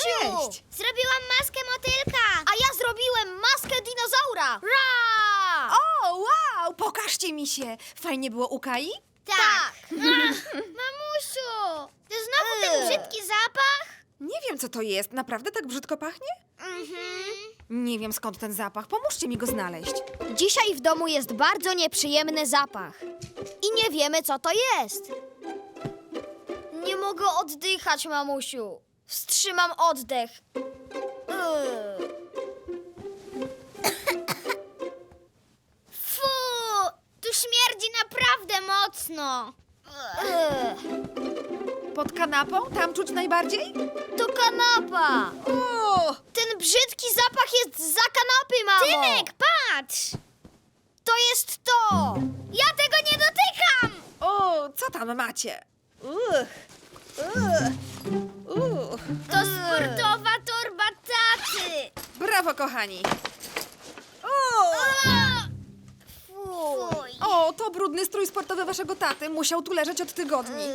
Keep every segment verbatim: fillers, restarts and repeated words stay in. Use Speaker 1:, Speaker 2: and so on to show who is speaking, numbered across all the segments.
Speaker 1: Cześć!
Speaker 2: Zrobiłam maskę motylka! A ja zrobiłem maskę dinozaura! Ra!
Speaker 1: O, wow! Pokażcie mi się! Fajnie było u Kai?
Speaker 2: Tak! Ach, mamusiu! To znowu ten
Speaker 1: Eee.
Speaker 2: brzydki zapach?
Speaker 1: Nie wiem, co to jest. Naprawdę tak brzydko pachnie?
Speaker 2: Mhm.
Speaker 1: Nie wiem, skąd ten zapach. Pomóżcie mi go znaleźć.
Speaker 2: Dzisiaj w domu jest bardzo nieprzyjemny zapach. I nie wiemy, co to jest. Nie mogę oddychać, mamusiu. Wstrzymam oddech. Ugh. Fu! Tu śmierdzi naprawdę mocno. Ugh.
Speaker 1: Pod kanapą? Tam czuć najbardziej?
Speaker 2: To kanapa.
Speaker 1: O!
Speaker 2: Ten brzydki zapach jest za kanapy, mamo. Tymek, patrz. To jest to. Ja tego nie dotykam.
Speaker 1: O, co tam macie? Uch. Uch. Uch.
Speaker 2: To sportowa torba taty.
Speaker 1: Brawo, kochani. O!
Speaker 2: Fuj.
Speaker 1: o, to brudny strój sportowy waszego taty. Musiał tu leżeć od tygodni.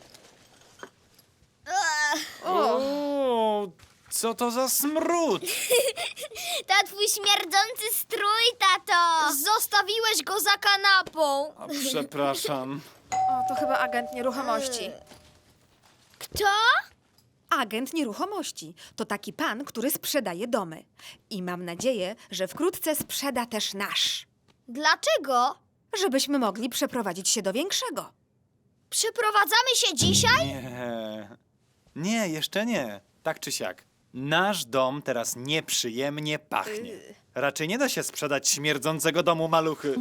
Speaker 1: O,
Speaker 3: O, co to za smród?
Speaker 2: To twój śmierdzący strój, tato. Zostawiłeś go za kanapą.
Speaker 3: A, przepraszam.
Speaker 1: o, to chyba agent nieruchomości.
Speaker 2: Kto?
Speaker 1: Agent nieruchomości to taki pan, który sprzedaje domy. I mam nadzieję, że wkrótce sprzeda też nasz.
Speaker 2: Dlaczego?
Speaker 1: Żebyśmy mogli przeprowadzić się do większego.
Speaker 2: Przeprowadzamy się dzisiaj?
Speaker 3: Nie. Nie, jeszcze nie. Tak czy siak. Nasz dom teraz nieprzyjemnie pachnie. Raczej nie da się sprzedać śmierdzącego domu maluchy.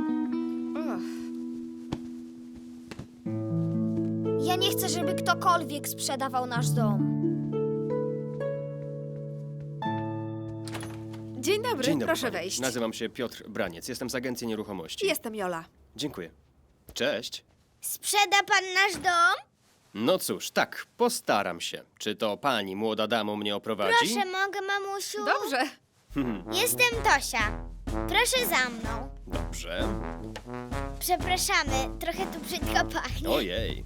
Speaker 2: Ja nie chcę, żeby ktokolwiek sprzedawał nasz dom.
Speaker 1: Dzień dobry,
Speaker 4: Dzień dobry,
Speaker 1: proszę
Speaker 4: panie.
Speaker 1: wejść.
Speaker 4: Nazywam się Piotr Braniec, jestem z Agencji Nieruchomości.
Speaker 1: Jestem Jola.
Speaker 4: Dziękuję. Cześć.
Speaker 2: Sprzeda pan nasz dom?
Speaker 4: No cóż, tak, postaram się. Czy to pani, młoda damo, mnie oprowadzi?
Speaker 2: Proszę, mogę, mamusiu?
Speaker 1: Dobrze.
Speaker 2: Jestem Tosia. Proszę za mną.
Speaker 4: Dobrze.
Speaker 2: Przepraszamy, trochę tu brzydko pachnie.
Speaker 4: Ojej.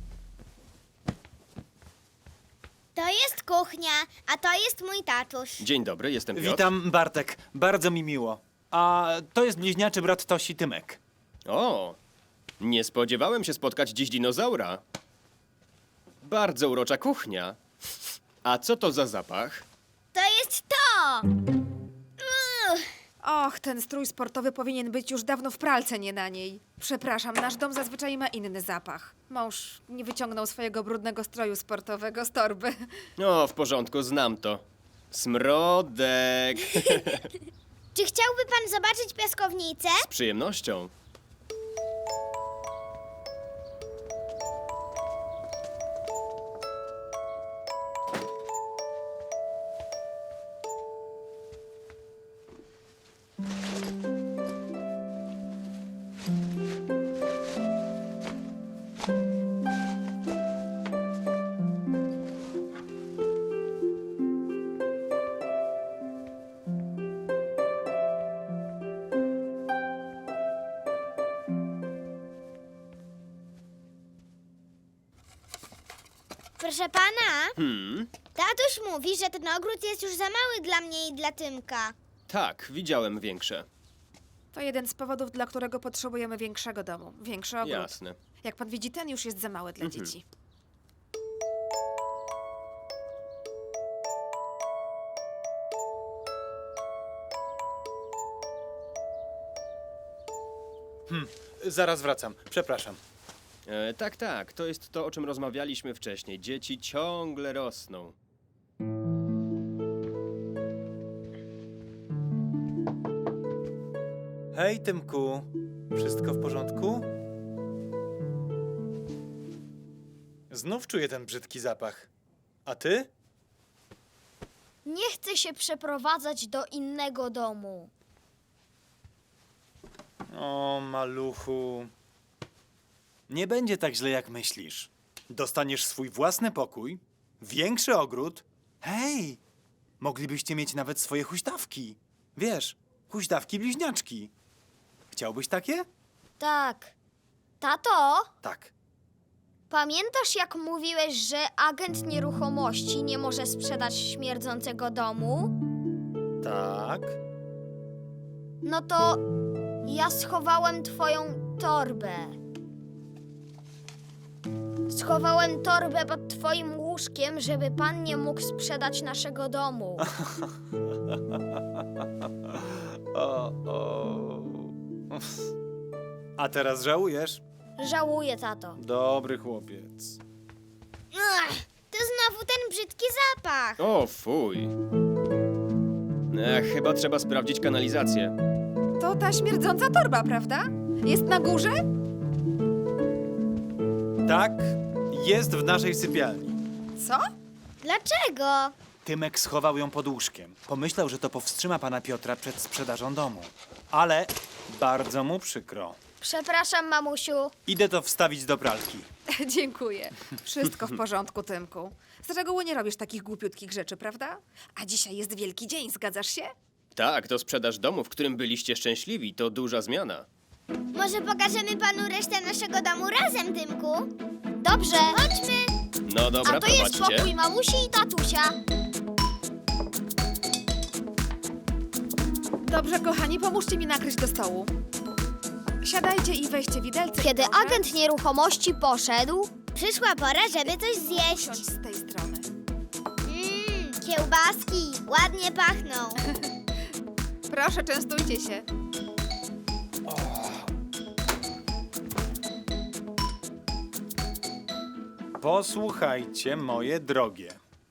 Speaker 2: To jest kuchnia, a to jest mój tatuś.
Speaker 4: Dzień dobry, jestem Piotr.
Speaker 3: Witam, Bartek. Bardzo mi miło. A to jest bliźniaczy brat Tosi, Tymek.
Speaker 4: O, nie spodziewałem się spotkać dziś dinozaura. Bardzo urocza kuchnia. A co to za zapach?
Speaker 2: To jest to! Uch,
Speaker 1: Och, ten strój sportowy powinien być już dawno w pralce, nie na niej. Przepraszam, nasz dom zazwyczaj ma inny zapach. Mąż nie wyciągnął swojego brudnego stroju sportowego z torby.
Speaker 4: O, w porządku, znam to. Smrodek.
Speaker 2: czy chciałby pan zobaczyć piaskownicę?
Speaker 4: Z przyjemnością.
Speaker 2: Proszę pana,
Speaker 4: Hmm,
Speaker 2: tatuś mówi, że ten ogród jest już za mały dla mnie i dla Tymka.
Speaker 4: tak, widziałem większe.
Speaker 1: To jeden z powodów, dla którego potrzebujemy większego domu. Większy ogród.
Speaker 4: Jasne.
Speaker 1: Jak pan widzi, ten już jest za mały dla
Speaker 4: Mhm.
Speaker 1: dzieci.
Speaker 3: Zaraz wracam. Przepraszam.
Speaker 4: E, tak, tak, to jest to, o czym rozmawialiśmy wcześniej. Dzieci ciągle rosną.
Speaker 3: Hej, Tymku. Wszystko w porządku? Znów czuję ten brzydki zapach. A ty?
Speaker 2: Nie chcę się przeprowadzać do innego domu.
Speaker 3: O, maluchu. Nie będzie tak źle, jak myślisz. Dostaniesz swój własny pokój, większy ogród. Hej, moglibyście mieć nawet swoje huśtawki. Wiesz, huśtawki bliźniaczki. Chciałbyś takie?
Speaker 2: Tak. Tato,
Speaker 3: Tak.
Speaker 2: Pamiętasz, jak mówiłeś, że agent nieruchomości nie może sprzedać śmierdzącego domu?
Speaker 3: Tak?
Speaker 2: No to ja schowałem twoją torbę. Schowałem torbę pod twoim łóżkiem, żeby pan nie mógł sprzedać naszego domu.
Speaker 3: O, o. A teraz żałujesz?
Speaker 2: Żałuję, tato.
Speaker 3: Dobry chłopiec.
Speaker 2: Ach, to znowu ten brzydki zapach.
Speaker 4: O, fuj. Ech, chyba trzeba sprawdzić kanalizację.
Speaker 1: To ta śmierdząca torba, prawda? Jest na górze?
Speaker 3: Tak, jest w naszej sypialni.
Speaker 1: Co?
Speaker 2: Dlaczego?
Speaker 3: Tymek schował ją pod łóżkiem. Pomyślał, że to powstrzyma pana Piotra przed sprzedażą domu. Ale bardzo mu przykro.
Speaker 2: Przepraszam, mamusiu.
Speaker 3: Idę to wstawić do pralki.
Speaker 1: Dziękuję. Wszystko w porządku, Tymku. Z reguły nie robisz takich głupiutkich rzeczy, prawda? A dzisiaj jest wielki dzień, zgadzasz się?
Speaker 4: Tak, to sprzedaż domu, w którym byliście szczęśliwi. To duża zmiana.
Speaker 2: Może pokażemy panu resztę naszego domu razem, Tymku? Dobrze. Chodźmy.
Speaker 4: No dobra,
Speaker 2: A to jest
Speaker 4: prowadźcie.
Speaker 2: pokój mamusi i tatusia.
Speaker 1: Dobrze, kochani, pomóżcie mi nakryć do stołu. Siadajcie i weźcie widelce.
Speaker 2: Kiedy
Speaker 1: proszę.
Speaker 2: agent nieruchomości poszedł, przyszła pora, żeby coś
Speaker 1: Siądź
Speaker 2: zjeść.
Speaker 1: z tej strony.
Speaker 2: Mmm, kiełbaski, ładnie pachną.
Speaker 1: Proszę, częstujcie się.
Speaker 3: Posłuchajcie, moje drogie.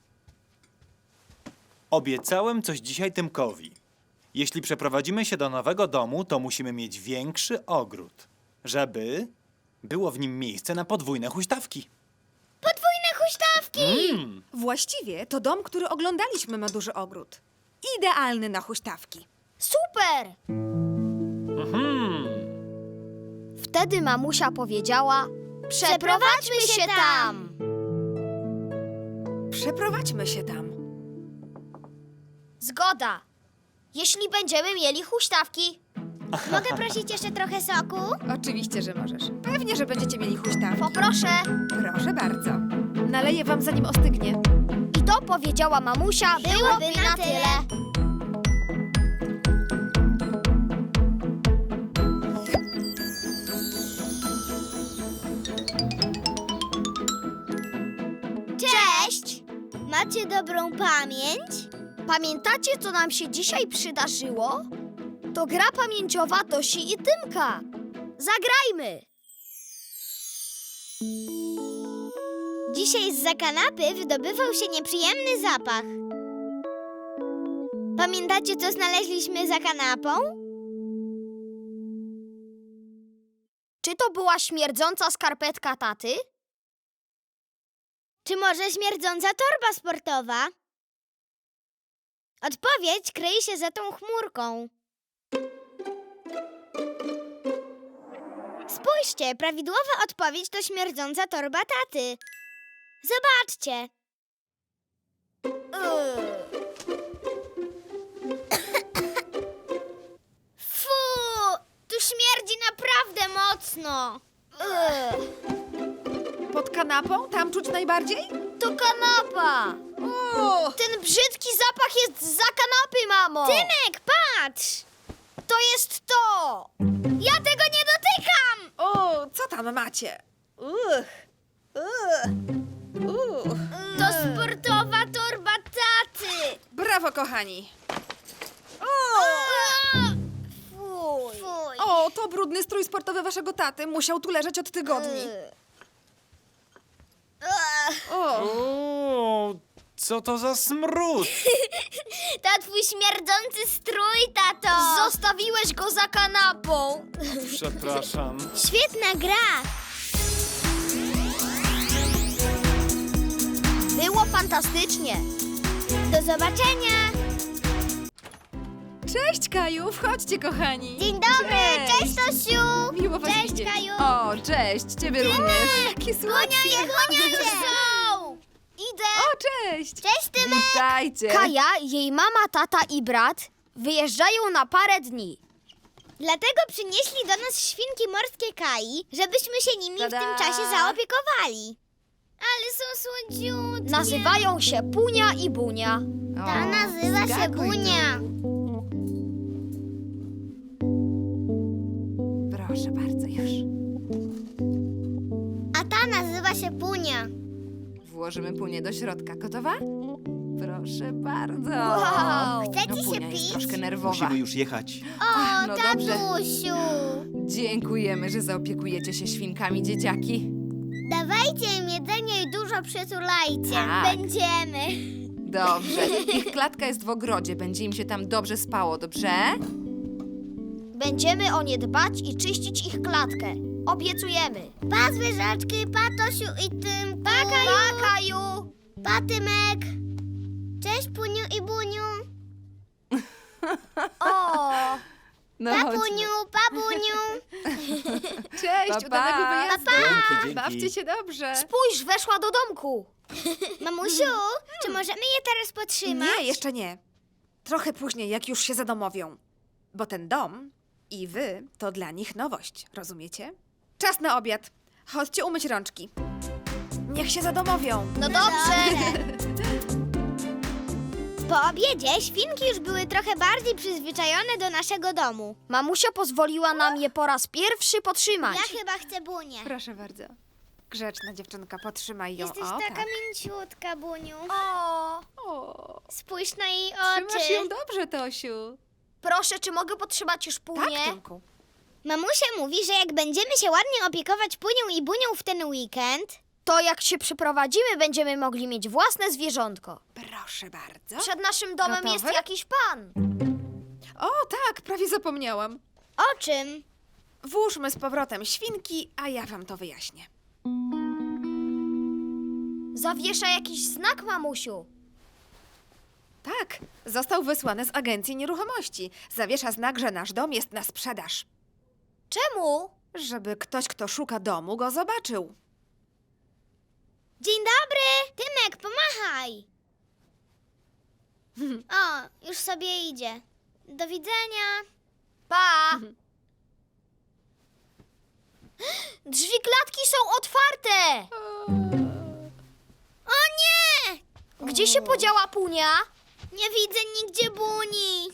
Speaker 3: Obiecałem coś dzisiaj Tymkowi. Jeśli przeprowadzimy się do nowego domu, to musimy mieć większy ogród, żeby było w nim miejsce na podwójne huśtawki.
Speaker 2: Podwójne huśtawki!
Speaker 3: Mm.
Speaker 1: Właściwie to dom, który oglądaliśmy, ma duży ogród. Idealny na huśtawki.
Speaker 2: Super!
Speaker 3: Mhm.
Speaker 2: Wtedy mamusia powiedziała: Przeprowadźmy się tam!
Speaker 1: Przeprowadźmy się tam.
Speaker 2: Zgoda. Jeśli będziemy mieli huśtawki. Mogę prosić jeszcze trochę soku?
Speaker 1: Oczywiście, że możesz. Pewnie, że będziecie mieli huśtawki.
Speaker 2: Poproszę.
Speaker 1: Proszę bardzo. Naleję wam, zanim ostygnie.
Speaker 2: I to powiedziała mamusia, byłoby na tyle. Cześć! Macie dobrą pamięć? Pamiętacie, co nam się dzisiaj przydarzyło? To gra pamięciowa Tosi i Tymka. Zagrajmy! Dzisiaj zza kanapy wydobywał się nieprzyjemny zapach. Pamiętacie, co znaleźliśmy za kanapą? Czy to była śmierdząca skarpetka taty? Czy może śmierdząca torba sportowa? Odpowiedź kryje się za tą chmurką. Spójrzcie, prawidłowa odpowiedź to śmierdząca torba taty. Zobaczcie. Fu, tu śmierdzi naprawdę mocno.
Speaker 1: Pod kanapą? Tam czuć najbardziej?
Speaker 2: To kanapa.
Speaker 1: O!
Speaker 2: Ten brzydki zapach jest za kanapy, mamo. Tymek, patrz. To jest to. Ja tego nie dotykam.
Speaker 1: O, co tam macie? Uch. Uch. Uch.
Speaker 2: To sportowa torba taty.
Speaker 1: Brawo, kochani.
Speaker 2: Fuj. Fuj.
Speaker 1: O, to brudny strój sportowy waszego taty. Musiał tu leżeć od tygodni. O,
Speaker 3: O, co to za smród?
Speaker 2: To twój śmierdzący strój, tato. Zostawiłeś go za kanapą.
Speaker 3: Przepraszam.
Speaker 2: Świetna gra. Było fantastycznie. Do zobaczenia.
Speaker 1: cześć, Kaju. Wchodźcie, kochani.
Speaker 2: Dzień dobry.
Speaker 1: Cześć.
Speaker 2: Cześć, Tosiu.
Speaker 1: Miło was
Speaker 2: Cześć,
Speaker 1: widzieć.
Speaker 2: Kaju.
Speaker 1: O, cześć. Ciebie również. Jakie słodkie.
Speaker 2: Gonianie, gonianie. Są. Idę.
Speaker 1: O, cześć.
Speaker 2: Cześć, Tymek.
Speaker 1: Witajcie.
Speaker 2: Kaja, jej mama, tata i brat wyjeżdżają na parę dni.
Speaker 5: Dlatego przynieśli do nas świnki morskie Kai, żebyśmy się nimi
Speaker 1: Tada!
Speaker 5: w tym czasie zaopiekowali. Ale są słodziutkie.
Speaker 2: Nazywają się Punia i Bunia.
Speaker 5: Ta nazywa się
Speaker 1: skakuj tu.
Speaker 5: Bunia.
Speaker 1: Proszę bardzo, już.
Speaker 5: A ta nazywa się Punia.
Speaker 1: Włożymy punię do środka. Gotowa? Proszę bardzo.
Speaker 2: Wow.
Speaker 5: Chcecie
Speaker 1: No,
Speaker 5: się
Speaker 1: Punia jest
Speaker 5: pić?
Speaker 1: troszkę nerwowa.
Speaker 3: Musimy już jechać.
Speaker 5: O,
Speaker 1: no dobrze.
Speaker 5: tatusiu.
Speaker 1: Dziękujemy, że zaopiekujecie się świnkami, dzieciaki.
Speaker 5: Dawajcie im jedzenie i dużo przytulajcie.
Speaker 1: Tak.
Speaker 5: Będziemy.
Speaker 1: Dobrze. Ich klatka jest w ogrodzie. Będzie im się tam dobrze spało, dobrze?
Speaker 2: Będziemy o nie dbać i czyścić ich klatkę. Obiecujemy.
Speaker 5: Pa zwierzaczki, pa Tosiu i Tymku. Pa Kaju.
Speaker 2: Pa, Kaju!
Speaker 5: Pa Tymek. Cześć Puniu i Buniu.
Speaker 2: O!
Speaker 1: No
Speaker 5: Pa
Speaker 1: chodźmy.
Speaker 5: Puniu, pa Buniu.
Speaker 1: Cześć,
Speaker 3: Pa,
Speaker 1: udanego
Speaker 3: pa.
Speaker 1: wyjazdu.
Speaker 3: Dzięki, dzięki.
Speaker 1: Bawcie się dobrze.
Speaker 2: Spójrz, weszła do domku.
Speaker 5: Mamusiu, czy możemy je teraz podtrzymać?
Speaker 1: Nie, jeszcze nie. Trochę później, jak już się zadomowią. Bo ten dom i wy to dla nich nowość, rozumiecie? Czas na obiad. Chodźcie umyć rączki. Niech się zadomowią.
Speaker 2: No dobrze.
Speaker 5: Po obiedzie świnki już były trochę bardziej przyzwyczajone do naszego domu.
Speaker 2: Mamusia pozwoliła nam je po raz pierwszy potrzymać.
Speaker 5: Ja chyba chcę Bunię.
Speaker 1: Proszę bardzo. Grzeczna dziewczynka, potrzymaj ją.
Speaker 5: Jesteś
Speaker 1: o,
Speaker 5: taka
Speaker 1: tak.
Speaker 5: mięciutka, Buniu.
Speaker 2: O!
Speaker 1: O,
Speaker 5: Spójrz na jej
Speaker 1: trzymasz
Speaker 5: oczy.
Speaker 1: ją dobrze, Tosiu.
Speaker 2: Proszę, czy mogę potrzymać już Punię?
Speaker 1: Tak, Tymku.
Speaker 5: Mamusia mówi, że jak będziemy się ładnie opiekować Punią i Bunią w ten weekend,
Speaker 2: To jak się przyprowadzimy, będziemy mogli mieć własne zwierzątko.
Speaker 1: Proszę bardzo.
Speaker 2: Przed naszym domem
Speaker 1: Gotowe?
Speaker 2: jest jakiś pan.
Speaker 1: O, tak, prawie zapomniałam.
Speaker 5: o czym?
Speaker 1: Włóżmy z powrotem świnki, a ja wam to wyjaśnię.
Speaker 2: Zawiesza jakiś znak, mamusiu.
Speaker 1: Tak, został wysłany z agencji nieruchomości. Zawiesza znak, że nasz dom jest na sprzedaż.
Speaker 2: Czemu?
Speaker 1: Żeby ktoś, kto szuka domu, go zobaczył.
Speaker 5: Dzień dobry! Tymek, pomachaj! O, już sobie idzie. Do widzenia.
Speaker 2: Pa! Drzwi klatki są otwarte!
Speaker 5: O nie!
Speaker 2: Gdzie się podziała Punia?
Speaker 5: Nie widzę nigdzie Buni.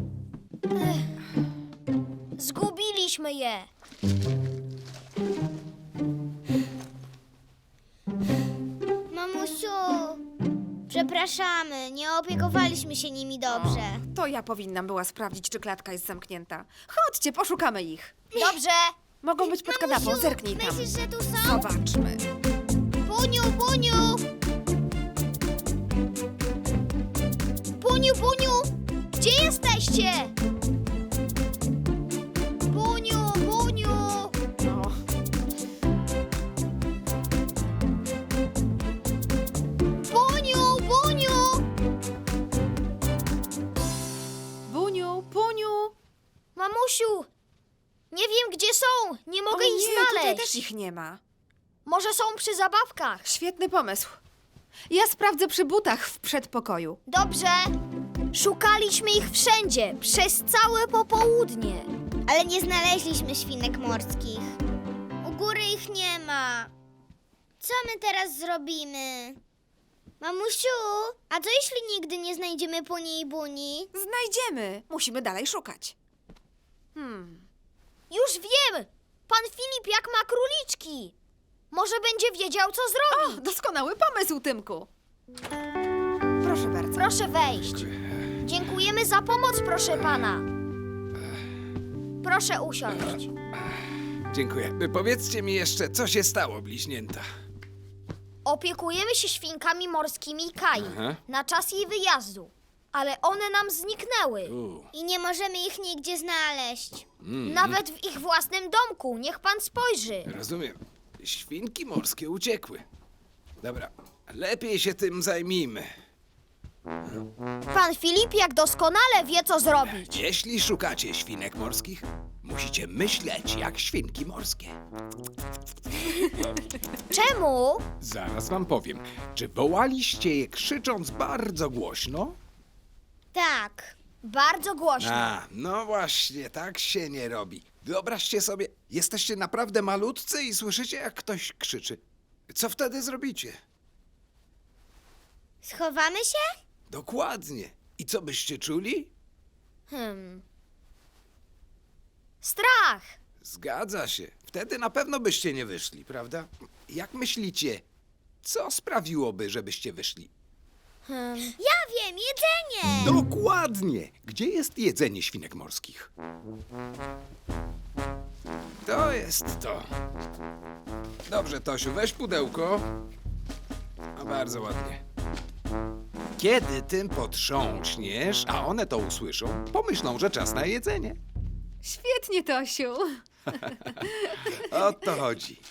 Speaker 2: Zgubiliśmy je.
Speaker 5: Mamusiu, przepraszamy, nie opiekowaliśmy się nimi dobrze.
Speaker 1: To ja powinnam była sprawdzić, czy klatka jest zamknięta. Chodźcie, poszukamy ich.
Speaker 2: Dobrze.
Speaker 1: Mogą być pod kanapą,
Speaker 5: Mamusiu,
Speaker 1: zerknij tam.
Speaker 5: myślisz, że tu są?
Speaker 1: Zobaczmy.
Speaker 5: Buniu, Buniu!
Speaker 2: Puniu, Puniu! Gdzie jesteście? Puniu, Puniu!
Speaker 1: O,
Speaker 2: Puniu, Puniu!
Speaker 1: Buniu, Puniu.
Speaker 2: Mamusiu, nie wiem gdzie są. Nie mogę
Speaker 1: o
Speaker 2: ich
Speaker 1: nie, tutaj
Speaker 2: znaleźć.
Speaker 1: też ich nie ma.
Speaker 2: Może są przy zabawkach.
Speaker 1: Świetny pomysł. Ja sprawdzę przy butach w przedpokoju.
Speaker 2: Dobrze. Szukaliśmy ich wszędzie, przez całe popołudnie.
Speaker 5: Ale nie znaleźliśmy świnek morskich. U góry ich nie ma. Co my teraz zrobimy? Mamusiu, a co jeśli nigdy nie znajdziemy Puni i Buni?
Speaker 1: Znajdziemy. Musimy dalej szukać. Hmm.
Speaker 2: Już wiem! Pan Filip jak ma króliczki. Może będzie wiedział, co
Speaker 1: O,
Speaker 2: zrobić.
Speaker 1: doskonały pomysł, Tymku. Proszę bardzo.
Speaker 2: Proszę wejść. Dziękujemy za pomoc, proszę pana. Proszę usiąść.
Speaker 6: Dziękuję. Powiedzcie mi jeszcze, co się stało, bliźnięta?
Speaker 2: Opiekujemy się świnkami morskimi Kai
Speaker 6: Aha.
Speaker 2: na czas jej wyjazdu, ale one nam zniknęły.
Speaker 6: U,
Speaker 5: I nie możemy ich nigdzie znaleźć.
Speaker 6: mm,
Speaker 2: Nawet w ich własnym domku. Niech pan spojrzy.
Speaker 6: rozumiem. Świnki morskie uciekły. Dobra, lepiej się tym zajmijmy.
Speaker 2: Pan Filip jak doskonale wie, co zrobić.
Speaker 6: Jeśli szukacie świnek morskich, musicie myśleć jak świnki morskie.
Speaker 2: Czemu?
Speaker 6: Zaraz wam powiem. Czy wołaliście je krzycząc bardzo głośno?
Speaker 5: Tak.
Speaker 2: Bardzo głośno.
Speaker 6: A, no właśnie, tak się nie robi. Wyobraźcie sobie, jesteście naprawdę malutcy i słyszycie, jak ktoś krzyczy. Co wtedy zrobicie?
Speaker 5: Schowamy się?
Speaker 6: Dokładnie. I co byście czuli?
Speaker 2: Hmm. Strach.
Speaker 6: Zgadza się. Wtedy na pewno byście nie wyszli, prawda? Jak myślicie, co sprawiłoby, żebyście wyszli?
Speaker 5: Ja wiem, jedzenie!
Speaker 6: Dokładnie! Gdzie jest jedzenie świnek morskich? To jest to. Dobrze, Tosiu, weź pudełko. No bardzo ładnie. Kiedy tym potrząśniesz, a one to usłyszą, pomyślą, że czas na jedzenie.
Speaker 1: Świetnie, Tosiu.
Speaker 6: O to chodzi.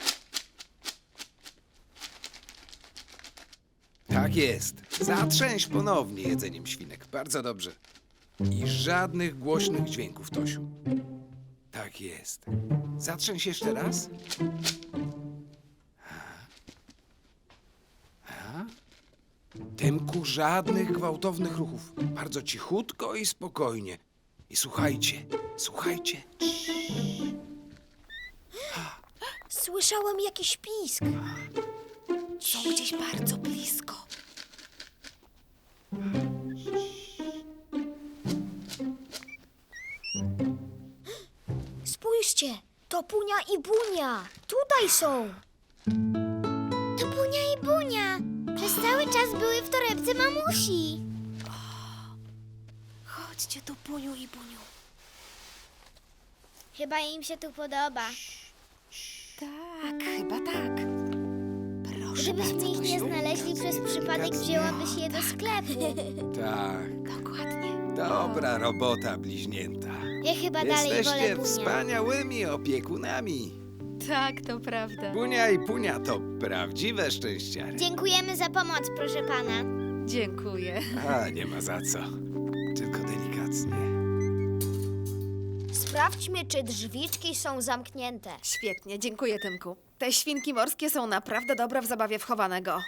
Speaker 6: Tak jest. Zatrzęś ponownie jedzeniem świnek. Bardzo dobrze. I żadnych głośnych dźwięków, Tosiu. Tak jest. Zatrzęś jeszcze raz. A? Tymku, żadnych gwałtownych ruchów. Bardzo cichutko i spokojnie. I słuchajcie, słuchajcie.
Speaker 2: Słyszałem jakiś pisk.
Speaker 1: Są gdzieś bardzo blisko.
Speaker 2: Spójrzcie, to Punia i Bunia. Tutaj są.
Speaker 5: To Bunia i Bunia. Przez cały czas były w torebce mamusi.
Speaker 1: Chodźcie tu, Buniu i Buniu.
Speaker 5: Chyba im się tu podoba.
Speaker 1: Tak, chyba tak. Proszę
Speaker 5: Gdybyśmy
Speaker 1: bardzo,
Speaker 5: ich nie
Speaker 1: Tosiu.
Speaker 5: znaleźli przez przypadek, wzięłabyś je do sklepu.
Speaker 6: Tak.
Speaker 1: Dokładnie.
Speaker 6: Dobra robota, bliźnięta.
Speaker 5: Ja chyba dalej wolę
Speaker 6: Jesteście
Speaker 5: Bunia.
Speaker 6: wspaniałymi opiekunami.
Speaker 1: Tak, to prawda.
Speaker 6: Bunia i Punia to prawdziwe szczęściary.
Speaker 5: Dziękujemy za pomoc, proszę pana.
Speaker 1: Dziękuję.
Speaker 6: A, nie ma za co. Tylko delikatnie.
Speaker 2: Sprawdźmy, czy drzwiczki są zamknięte.
Speaker 1: Świetnie, dziękuję, Tymku. Te świnki morskie są naprawdę dobre w zabawie wchowanego.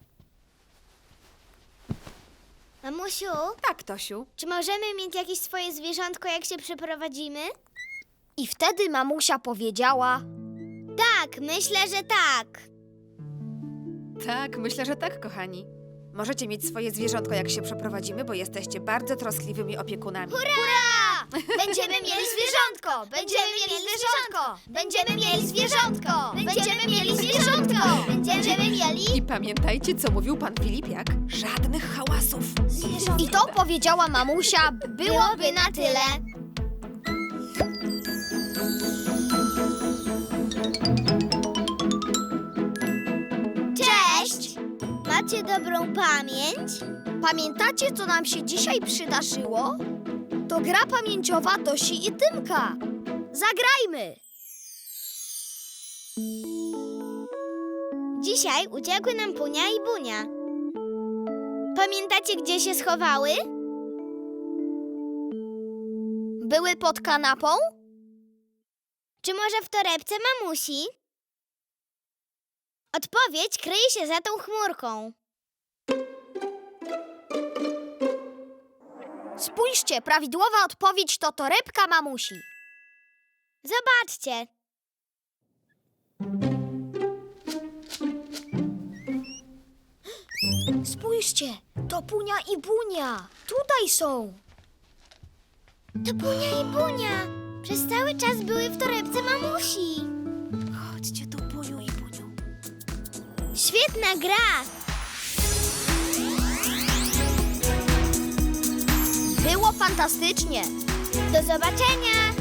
Speaker 5: Mamusiu,
Speaker 1: Tak, Tosiu.
Speaker 5: czy możemy mieć jakieś swoje zwierzątko, jak się przeprowadzimy?
Speaker 2: I wtedy mamusia powiedziała:
Speaker 5: Tak, myślę, że tak.
Speaker 1: Tak, myślę, że tak, kochani. Możecie mieć swoje zwierzątko, jak się przeprowadzimy, bo jesteście bardzo troskliwymi opiekunami.
Speaker 5: Hurra! Będziemy mieli zwierzątko! Będziemy mieli zwierzątko! Będziemy mieli zwierzątko! Będziemy mieli zwierzątko! Będziemy mieli...
Speaker 1: I pamiętajcie, co mówił pan Filipiak. Żadnych hałasów.
Speaker 2: I to powiedziała mamusia,
Speaker 5: Byłoby na tyle. Cześć! Macie dobrą pamięć?
Speaker 2: Pamiętacie, co nam się dzisiaj przydarzyło? To gra pamięciowa Tosi i Tymka. Zagrajmy!
Speaker 5: Dzisiaj uciekły nam Punia i Bunia. Pamiętacie, gdzie się schowały?
Speaker 2: Były pod kanapą?
Speaker 5: Czy może w torebce mamusi? Odpowiedź kryje się za tą chmurką.
Speaker 2: Spójrzcie, prawidłowa odpowiedź to torebka mamusi.
Speaker 5: Zobaczcie.
Speaker 2: Spójrzcie, to Punia i Bunia. Tutaj są.
Speaker 5: To Punia i Bunia. Przez cały czas były w torebce mamusi.
Speaker 1: Chodźcie tu, Buniu i Buniu.
Speaker 5: Świetna gra.
Speaker 2: Było fantastycznie.
Speaker 5: Do zobaczenia.